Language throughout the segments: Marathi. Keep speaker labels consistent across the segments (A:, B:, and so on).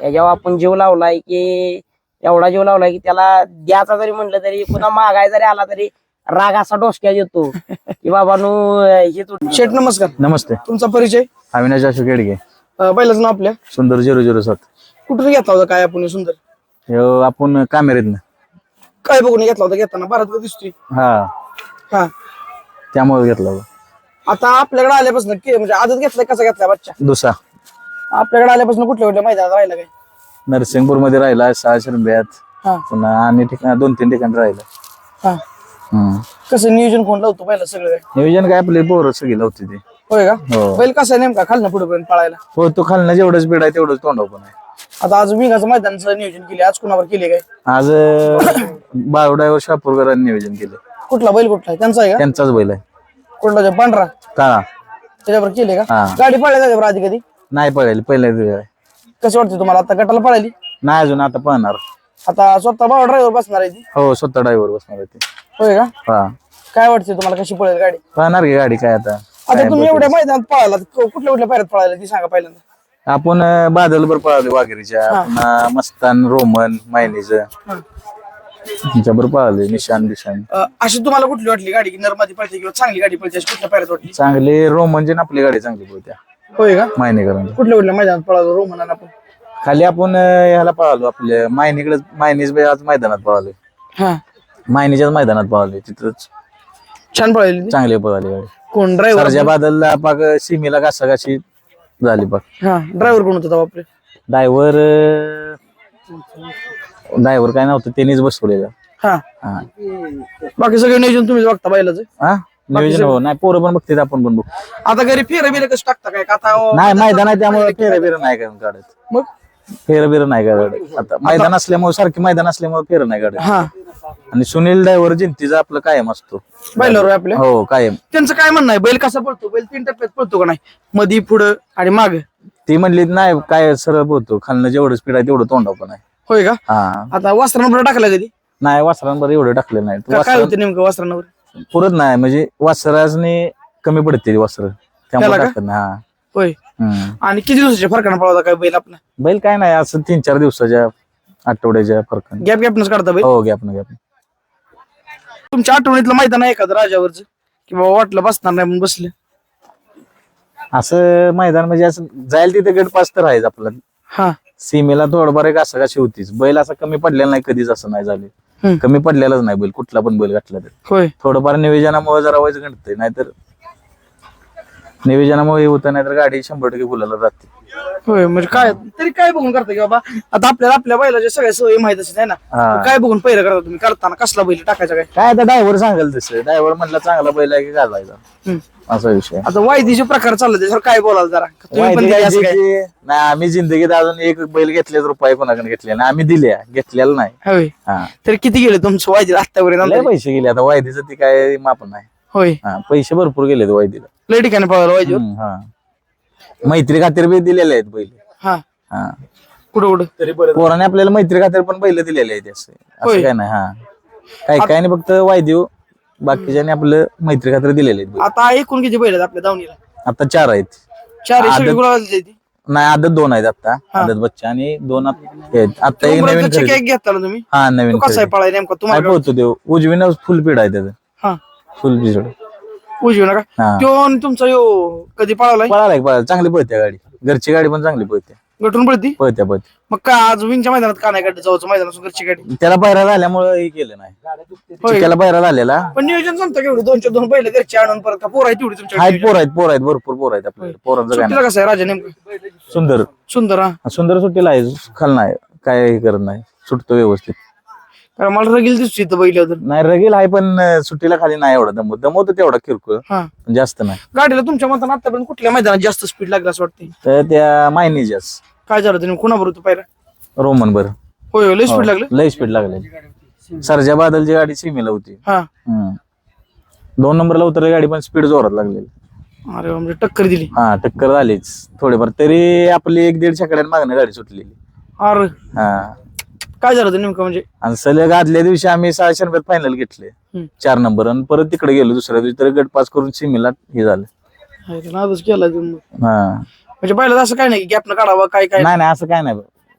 A: त्याच्यावर आपण जीव लावलाय की एवढा जीव लावलाय की त्याला द्यायचा जरी म्हणलं तरी पुन्हा मागाय जरी आला तरी राग असा डोसक्यात येतो की बाबा नु हे
B: शेठ नमस्कार.
C: नमस्ते.
B: तुमचा परिचय?
C: अविनाश अशोक येडगे.
B: बैलाचं नाव आपल्या?
C: सुंदर 007.
B: कुठून घेतला होता काय आपण सुंदर?
C: ह्यो आपण कामेरीतनं.
B: काय बघून घेतला होता घेताना? भारत दिसतोय.
C: हा,
B: हा,
C: त्यामुळे घेतला होता.
B: आता आपल्याकडे आल्यापासून म्हणजे आजच घेतलाय कसा घेतलाय बच्चा?
C: दुसरा
B: आपल्याकडे आल्यापासून कुठल्या कुठल्या मैदानात राहिला काय?
C: नरसिंगपूर मध्ये राहिला, 6 शिरंब्यात,
B: हा
C: पुन्हा आणि ठिकाण 2-3 ठिकाणी राहिला.
B: हा, कसं नियोजन कोण लावतो पहिला सगळं काय?
C: नियोजन काय आपले पोरं सगळी लावते ते.
B: होय का?
C: हो.
B: बैल कसा आहे नेमका खालनं पुढे पर्यंत पळायला?
C: हो, तो खालनं जेवढंच बीड आहे तेवढंच तोंडाव पण आहे.
B: आता आज विंगाचं मैदानाचं नियोजन केले, आज कुणावर केले काय?
C: आज बावड्यावर शापूरकरांनी नियोजन केलं.
B: कुठला बैल कुठला आहे? त्यांचा आहे का?
C: त्यांचाच बैल आहे.
B: कुठला ते पांढरा
C: काळा
B: त्याच्यावर केले का?
C: हा.
B: गाडी पळायला त्याच्यावर आधी कधी?
C: नाही पळायला पहिल्या.
B: कसं वाटतं तुम्हाला आता गटाला पळाली?
C: नाही अजून, आता पळणार.
B: आता स्वतः भावा ड्रायव्हर बसणार आहे ती?
C: हो, स्वतः ड्रायव्हर बसणार आहे ते.
B: होय का?
C: हा,
B: काय वाटतं तुम्हाला कशी पळेल गाडी?
C: पळणार की गाडी काय आता.
B: आता तुम्ही एवढ्या मैदानात पळाला कुठल्या कुठल्या पायऱ्यात पळायला ती सांगा पहिल्यांदा.
C: आपण बादलभर पळालो वाघेरीच्या, पुन्हा मस्तान, रोमन, मायनीच त्यांच्याबरोबर पळाले, निशान बिशान.
B: अशी तुम्हाला कुठली वाटली गाडी की नर्मदी पळते किंवा चांगली गाडी पळते अशी कुठल्या पायऱ्यात वाटली?
C: चांगले रोमनची ना आपली गाडी चांगली पळत्या.
B: होय का?
C: मायनीकरांची.
B: कुठल्या कुठल्या मैदानात पळालो रोमनानं आपण?
C: खाली आपण ह्याला पळालो आपल्या मायनीकडे. मायनीच आज मैदानात पळालो.
B: हा,
C: मायनीच्याच मैदानात पळालो. तिथंच
B: छान पळाली ती.
C: चांगली पळाली गाडी.
B: कोण ड्रायव्हर?
C: सरजा बादलला पाक सीमेला घासाघाशी झाली पाक.
B: हा, ड्रायव्हर कोण होता बापरे?
C: ड्रायव्हर काय नव्हतं, त्यांनीच बसवलेलं.
B: हा,
C: हा,
B: बाकी सगळे नियोजन तुम्हीच बघता बैलाचं?
C: हा, नियोजन हो. नाही, पोरं पण बघते, आपण पण बघतो.
B: आता घरी फेर बिर कसं टाकता काय? आता
C: नाही, मैदान आहे त्यामुळे फेरं नाही काय काढत.
B: मग
C: फेरं नाही काढत. आता मैदान असल्यामुळे, सारखी मैदान असल्यामुळे फेरं नाही काढत.
B: हा,
C: आणि सुनील ड्रायव्हर जिंतीचा आपलं कायम असतो
B: बैलावर आपल्या.
C: हो, कायम.
B: त्यांचं काय म्हणणं आहे? बैल कसा पळतो? बैल 3 टप्प्यात पळतो का नाही? मधी, पुढं आणि माग?
C: ती म्हणली नाही, काय सरळ पोहतो, खालनं जेवढं स्पीड आहे तेवढं तोंडाव पण आहे.
B: होय का?
C: हा,
B: आता वस्त्रांवर टाकला कधी?
C: नाही, वासरांवर एवढं टाकलेलं नाही.
B: काय होतं नेमकं वस्त्रांवर?
C: पुरत नाही, म्हणजे वासराने कमी पडते वस्त्र, त्यामुळे
B: त्याला का?
C: टाकत नाही. हा.
B: होय. आणि किती दिवसाच्या फरकानं पळवता काय बैल आपला?
C: बैल काय नाही, असं 3-4 दिवसाच्या, आठवड्याच्या फरकाने.
B: गॅपनच काढता बैल?
C: हो, गॅप.
B: तुमच्या आठवणीतलं मैदान आहे एखादं राजावरचं की बाबा वाटलं बसणार नाही म्हणून बसले?
C: असं मैदान म्हणजे असं जायला तिथे गट पास तर आहेच आपलं.
B: हा,
C: सीमेला थोडंफार एक असं कशी होतीच. बैल असं कमी पडलेला नाही कधीच, असं नाही झाले. कमी पडलेलाच नाही बैल, कुठला पण बैल घातला तर.
B: होय.
C: थोडंफार नियोजनामुळे जरा वाईज घडतंय, नाहीतर नियोजनामुळे होतं, नाहीतर गाडी 100% गुलाला जाते.
B: होय, म्हणजे काय तरी काय बघून करता की बाबा आता आपल्याला आपल्या बैलाच्या सगळ्या सवयी माहित असते आहे ना?
C: हा.
B: काय बघून पहिलं करता तुम्ही? करताना कसला बैल टाकायचा काय?
C: काय आता ड्रायव्हर सांगाल तसं. ड्रायव्हर म्हणला चांगला बैल आहे की घालायचा, असा विषय.
B: आता वायदीचे प्रकार चालले त्याच्यावर काय बोलाल जरा? तुम्ही पण
C: माहिती
B: दिली
C: काय
B: असं काय?
C: नाही, आम्ही जिंदगीत अजून एक बैल घेतले रुपये कोणाकडे घेतले नाही. आम्ही घेतलेला नाही.
B: होय.
C: हा,
B: तरी किती गेले तुमचं वायदी आतापर्यंत?
C: लय पैसे गेले. आता वायदीचं ती काय माप नाही.
B: होय,
C: हा, पैसे भरपूर गेले वायदीला.
B: लय ठिकाणी पळाला वायदी.
C: हा, मैत्री खातीर बी दिलेले आहेत बैल.
B: हा,
C: हा,
B: कुठं कुठं?
C: पोराने आपल्याला मैत्री खातीर पण बैल दिलेले आहेत. असं काय नाही. हा, काय नाही, फक्त वायदेव बाकीच्याने आपलं मैत्री खातीर दिलेले आहेत बैल.
B: आता एकूण किती बैल आहेत आपल्या दावणीला?
C: आता 4 आहेत.
B: 4
C: आदत-
B: गुलाल ती
C: नाही, आदत 2 आहेत आता. आदत बच्चा आणि 2 आता एक नवीन खरेदी.
B: केक घेतला ना तुम्ही?
C: हा, नवीन
B: तो कसा आहे
C: खरेदी.
B: पळाय नेमका
C: काय
B: तुम्हाला?
C: पोहतो देव उजवीनं फुल पीड आहे त्याचं.
B: हा,
C: फुल पिसड
B: उजवी नका.
C: हा.
B: तो आणि तुमचा यो कधी पळालाय?
C: पळाला चांगली पळते गाडी. घरची गाडी पण चांगली पळते.
B: गटून पळती?
C: पळत्या.
B: मग का आज विंगच्या मैदानात का नाही गाडी जाऊचं मैदानात घरची गाडी?
C: त्याला पायरा झाल्यामुळे हे केलं नाही. त्याला पायरा झालेला.
B: पण नियोजन जमतं केवढं? 2-2 बैल घरची आणून परत का पोर आहे तेवढी तुमच्या?
C: आहेत, पोर आहेत, भरपूर पोर आहेत आपल्याकडे. पोरांचं काय
B: सुट्टीला कसं आहे राजा नेमकं?
C: नाही. सुंदर
B: हा.
C: सुंदर सुट्टीला आहे. खाल नाही, काय हे करत नाही, सुटतो व्यवस्थित.
B: कारण मला रगील दिसतो इथं बैल.
C: नाही, रगील आहे पण सुट्टीला खाली नाही एवढा दमवतो तेवढा किरकोळ,
B: हा,
C: पण जास्त नाही.
B: गाडीला तुमच्या मतानं आतापर्यंत कुठल्या मैदानात जास्त स्पीड लागला असं वाटतं?
C: तर त्या मायनीच्याच
B: काय झालं तुम्ही कुणाबरोबर होतो पाहिला?
C: रोमन बर.
B: होय, लय स्पीड लागलं.
C: लय स्पीड लागले. सरजा बादलची गाडी सीमेला होती.
B: हा,
C: 2 नंबरला उतरली गाडी, पण स्पीड जोरात लागलेली.
B: अरे म्हणजे टक्कर दिली.
C: हा, टक्कर झालीच थोडीफार. तरी आपली 1-1.5 शेकड्यात मागणं गाडी सुटलेली.
B: अरे
C: हा,
B: काय झालं होतं नेमकं म्हणजे?
C: आणि सलग आदल्या दिवशी आम्ही 600 रुपयात फायनल घेतले, 4 नंबर. आणि परत तिकडे गेलो दुसऱ्या दिवशी, तर गट पास करून सीमेला हे झालं.
B: नादच केला तुम्ही.
C: हा,
B: म्हणजे पहिलं असं काय नाही गॅप न काढावा काय काय?
C: नाही असं काय नाही.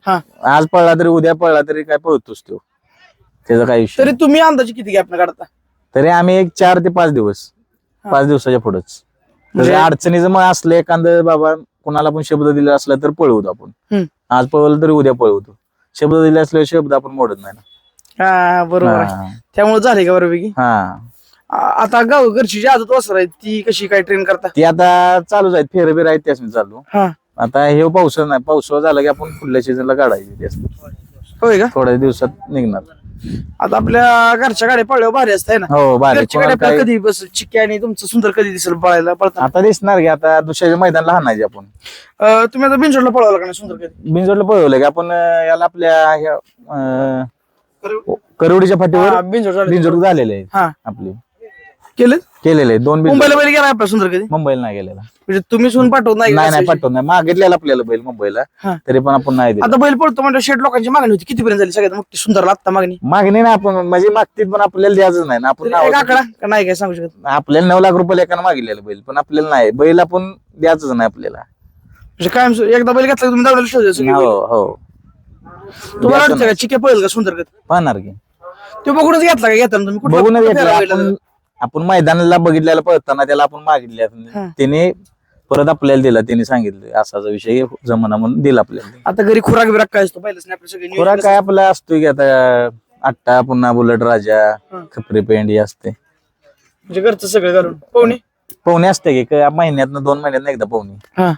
B: हा.
C: आज पळला तरी उद्या पळला तरी काय पळतोच तो, त्याचा काही विषय
B: तरी तुम्ही अंदाजे किती गॅप काढता?
C: तरी आम्ही एक 4 ते 5 दिवस, 5 दिवसाच्या पुढेच.
B: म्हणजे
C: अडचणीचं मग असलं एखादं बाबा कुणाला पण शब्द दिला असला तर पळवतो आपण. आज पळवलं तरी उद्या पळवतो. शब्द दिले असल्यावर शब्द आपण मोडत नाही ना.
B: हा बरोबर आहे.
C: हा.
B: त्यामुळे झाले का बरोबर?
C: हा
B: आता गाव घरची जी आदत वासर आहे ती कशी काय ट्रेन करता?
C: ती आता चालूच आहेत, फेरबीर आहेत त्याच चालू.
B: हा.
C: आता हे पावसाळा नाही, पावसाळा झाला की आपण पुढल्या सीझनला काढायची त्याच.
B: होय का?
C: थोड्या दिवसात निघणार.
B: आता आपल्या घरच्या गाड्या पळल्यावर भारी असत ना.
C: हो बारीक
B: घरच्या
C: कोणाला
B: गाड्या
C: काय-
B: आपल्याला कधी बस चिक्की आणि तुमचं सुंदर कधी दिसेल पळायला पळताना?
C: आता दिसणार की आता दुसऱ्या मैदानला हाणायचे आपण.
B: तुम्ही आता बिनजोडला पळवला का नाही सुंदर कधी?
C: बिनजोडला पळवलं की आपण याला आपल्या ह्या, करवडीच्या फाटीवर
B: बिनजोड झाले.
C: बिनजोड झालेले आहेत
B: हा
C: आपले,
B: केलं.
C: केलेले आहेत 2 बिनजोड.
B: मुंबईला बैल गेला आपला सुंदर कधी?
C: मुंबईला नाही गेलेला.
B: म्हणजे तुम्ही सून पाठवत नाही का?
C: नाही पाठवत नाही, मागितलेला आपल्याला बैल मुंबईला,
B: हा.
C: तरी पण आपण नाही दिला.
B: आता बैल पळतो म्हणजे शेट लोकांची मागणी होती, कितीपर्यंत झाली सगळ्यात मोठी सुंदरला आता मागणी?
C: मागणी नाही आपण म्हणजे मागतील पण आपल्याला द्यायचं नाही ना. आपण
B: तरी एक
C: नावाचं-
B: आकडा का नाही काय सांगू शकत?
C: आपल्याला 9 लाख रुपये एकानं मागितलेलं बैल, पण आपल्याला नाही बैल आपण द्यायच नाही आपल्याला.
B: म्हणजे कायम एकदा बैल घेतला की तुम्ही दावलेला शोधायचं सगळी बैल.
C: हो हो
B: तुम्हाला वाटतं का चिक्या पळेल का सुंदर कधी?
C: पाहणार की
B: ते बघूनच घेतला का घेताना तुम्ही? कुठला-
C: बघूनच
B: कुठला
C: घेतलं
B: फेरा बैलाचा?
C: आपण मैदानाला बघितलेलं पळताना त्याला आपण मागितले,
B: हा.
C: त्याने परत आपल्याला दिला, त्याने सांगितलं असाचा विषय जमाना म्हणून दिला आपल्याला.
B: आता घरी खुराक बिराक काय असतो पहिलेच नाही आपल्या सगळे
C: खुराक काय आपला असतोय की आता आट्टा, पुन्हा बुलेट राजा,
B: हा.
C: खपरी पेंडी असते.
B: म्हणजे घरचं सगळं घालून पाहुणे.
C: पोहणे असते की महिन्यातनं 2 महिन्यात एकदा पोहणे.
B: हा.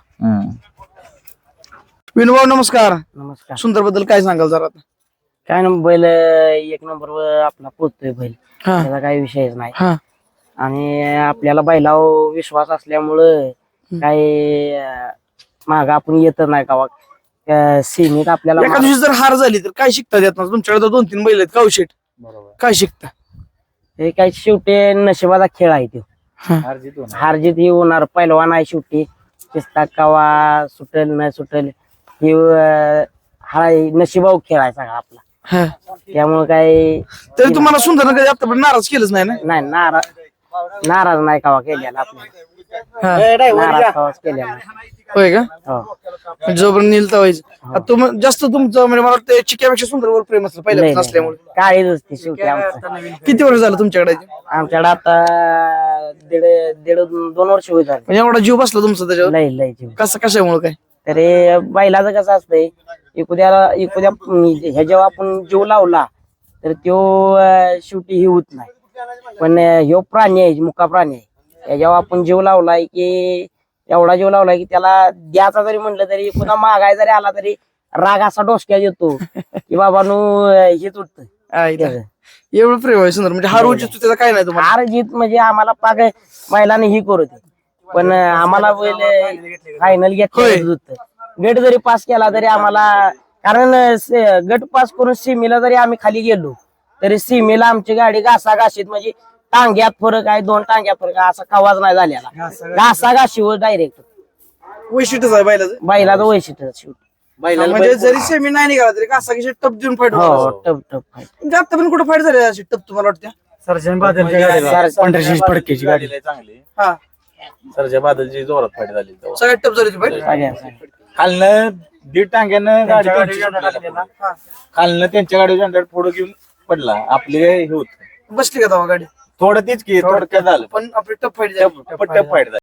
B: विनोभाऊ नमस्कार.
A: नमस्कार.
B: सुंदर बद्दल काय सांगाल जरा आता?
A: काय ना बैल एक नंबर आपला पोचतोय बैल,
B: हा.
A: त्याचा काही विषयच नाही.
B: हा.
A: आणि आपल्याला बैलावर विश्वास असल्यामुळं काही माग आपण येत नाही का सीमित आपल्याला
B: एका दिवशी जर हार झाली तर काय शिकता येत ना? तुमच्याकडे 2-3 बैल आहेत कावशेट,
A: बरोबर.
B: काय शिकता?
A: हे काही शेवटी नशिबाचा खेळ आहे तो. हार जीत ही होणार, पैलवान आहे शेवटी. चिस्ता कवा सुटेल न सुटेल ही हा नशिबावर खेळ आहे सगळा आपला.
B: हा.
A: त्यामुळे काही
B: तरी तुम्हाला सुंदर कधी आतापर्यंत नाराज केलंच नाही ना?
A: नाही, नाराज नाही कवा केलेला आपल्याला.
B: हा.
A: नाराज कवाच केलेला नाही.
B: होय का?
A: हो.
B: म्हणजे जोपर्यंत नीलता व्हायचं. जास्त तुमचं म्हणजे मला वाटतं चिक्यापेक्षा सुंदरवर प्रेम असलं पहिल्यापासून असल्यामुळे.
A: काळीच असते शेवटी आमचं.
B: किती वर्ष झालं तुमच्याकडे?
A: आमच्याकडे आता दीड 2 वर्ष होत झाले.
B: म्हणजे एवढा जीव बसला तुमचा त्याच्यावर?
A: लय जीव.
B: कसं कशामुळे काय?
A: तरी बैलाचं कसं असतंय, एखाद्या ह्याच्यावर आपण जीव लावला तर तो शेवटी ही होत नाही. पण ह्यो प्राणी आहे, मुका प्राणी आहे, ह्याच्यावर आपण जीव लावलाय की एवढा जीव लावलाय की त्याला द्यायचा जरी म्हणलं तरी, पुन्हा मागाय जरी आला तरी राग असा डोसक्यात येतो की बाबानू हेच उठत.
B: एवढं प्रेम आहे सुंदर, म्हणजे हार उचित त्याचा काय नाही तुम्हाला?
A: हार जीत म्हणजे आम्हाला पाक महिलांनी ही करू दे, पण आम्हाला फायनल घेतलं होतं. गट जरी पास केला तरी आम्हाला, कारण गट पास करून सीमेला जरी आम्ही खाली गेलो तरी सीमेला आमची गाडी घासाघाशीत, म्हणजे टांग्यात फरक आहे, 2 टांग्यात फरक आहे, असा कवाज नाही झालेला. घासाघाशीवर डायरेक्ट
B: वैशिष्ट्यच आहे बैलाचं.
A: बैलाचं वैशिष्ट्य शेवटी.
B: म्हणजे जरी सेमी नाही निघाला तरी कासा कशी टप देऊन फाईट
A: हो, टप फाईट.
B: आता पण कुठं फाईट झाली अशी टप तुम्हाला वाटते?
C: फडकेची गाडी चांगली,
B: हा.
C: सरच्या बादलची जोरात फाईट झाली.
B: सगळ्यात टप झाली फाईट.
C: खालनं 1.5 टांग्यानं गाडी खालनं त्यांच्या गाडी जनरेट पुढे घेऊन पडला. आपले हे होत
B: बसली का तेव्हा गाडी?
C: थोडं तीच की थोडक्यात झालं,
B: पण आपली टप फाईट
C: टप फाईट झाली.